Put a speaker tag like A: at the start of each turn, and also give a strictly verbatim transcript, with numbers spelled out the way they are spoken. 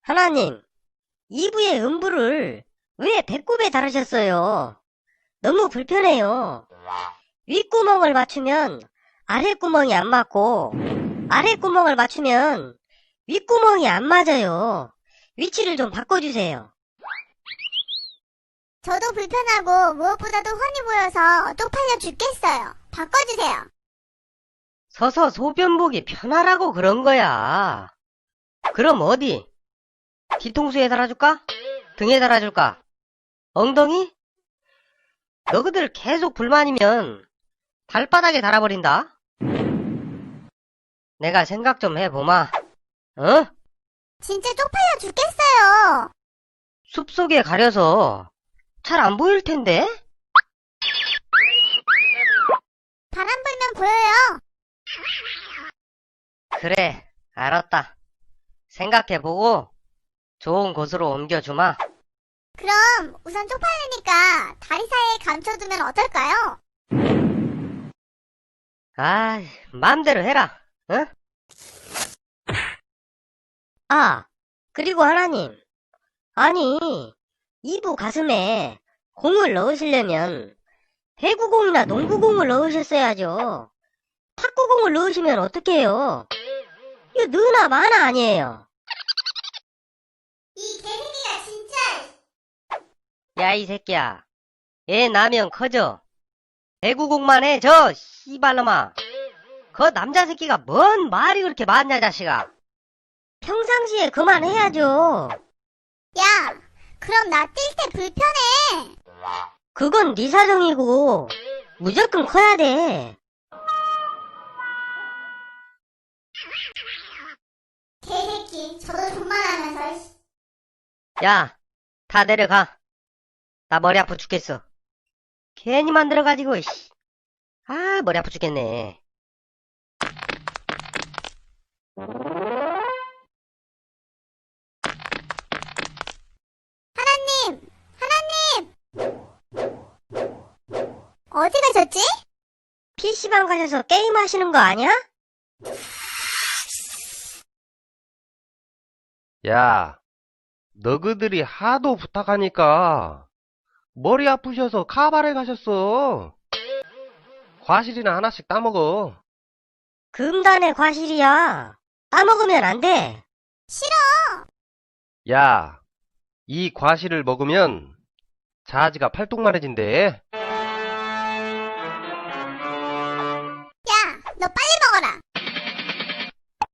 A: 하나님, 이부의 음부를 왜 배꼽에 달으셨어요? 너무 불편해요. 윗구멍을 맞추면 아랫구멍이 안 맞고, 아랫구멍을 맞추면 윗구멍이 안 맞아요. 위치를 좀 바꿔주세요.
B: 저도 불편하고 무엇보다도 훤히 보여서 쪽팔려 죽겠어요. 바꿔주세요.
A: 서서 소변 보기 편하라고 그런 거야. 그럼 어디? 뒤통수에 달아줄까? 등에 달아줄까? 엉덩이? 너희들 계속 불만이면 발바닥에 달아버린다. 내가 생각 좀 해보마. 어?
B: 진짜 쪽팔려 죽겠어요.
A: 숲속에 가려서 잘 안 보일 텐데?
B: 바람 불면 보여요.
A: 그래, 알았다. 생각해보고 좋은 곳으로 옮겨주마.
B: 그럼 우선 쪽팔리니까 다리 사이에 감춰두면 어떨까요?
A: 아, 마음대로 해라. 응? 아, 그리고 하나님. 아니, 이부 가슴에 공을 넣으시려면 배구공이나 농구공을 넣으셨어야죠. 탁구공을 넣으시면 어떡해요? 이거 느나 마나 아니에요.
B: 이 개새끼가 진짜.
A: 야, 이 새끼야. 애 나면 커져. 배구공만 해, 저 씨발놈아. 그 남자 새끼가 뭔 말이 그렇게 많냐, 자식아. 평상시에 그만해야죠.
B: 야, 그럼 나 뛸 때 불편해.
A: 그건 네 사정이고 무조건 커야 돼.
B: 개새끼, 저도 존만하면서.
A: 야, 다 내려가. 나 머리 아파 죽겠어. 괜히 만들어가지고, 씨. 아, 머리 아파 죽겠네.
B: 하나님, 하나님. 어디 가셨지?
A: 피씨방 가셔서 게임하시는 거 아니야?
C: 야, 너희들이 하도 부탁하니까 머리 아프셔서 카바레 가셨어. 과실이나 하나씩 따먹어.
A: 금단의 과실이야. 따먹으면 안 돼.
B: 싫어.
C: 야, 이 과실을 먹으면 자지가 팔뚝만해진대.
B: 야, 너 빨리